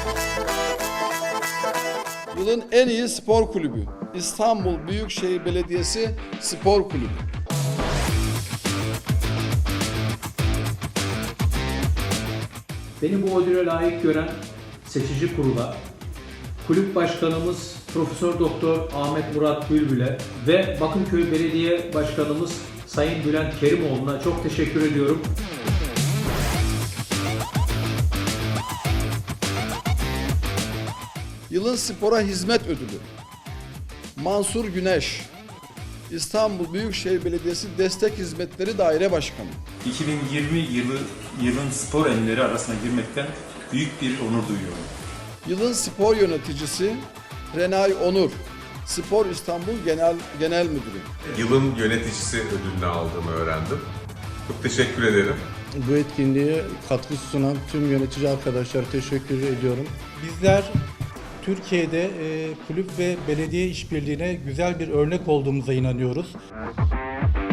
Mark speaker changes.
Speaker 1: Yılın en iyi spor kulübü İstanbul Büyükşehir Belediyesi Spor Kulübü.
Speaker 2: Beni bu ödüle layık gören seçici kurula, kulüp başkanımız Profesör Doktor Ahmet Murat Bülbül'e ve Bakırköy Belediye Başkanımız Sayın Bülent Kerimoğlu'na çok teşekkür ediyorum.
Speaker 1: Yılın spora hizmet ödülü Mansur Güneş, İstanbul Büyükşehir Belediyesi Destek Hizmetleri Daire Başkanı.
Speaker 3: 2020 yılın spor enleri arasına girmekten büyük bir onur duyuyorum.
Speaker 1: Yılın spor yöneticisi Renay Onur, Spor İstanbul Genel Müdürü.
Speaker 4: Yılın yöneticisi ödülünü aldığımı öğrendim. Çok teşekkür ederim.
Speaker 5: Bu etkinliğe katkı sunan tüm yönetici arkadaşlara teşekkür ediyorum.
Speaker 6: Bizler Türkiye'de kulüp ve belediye işbirliğine güzel bir örnek olduğumuza inanıyoruz.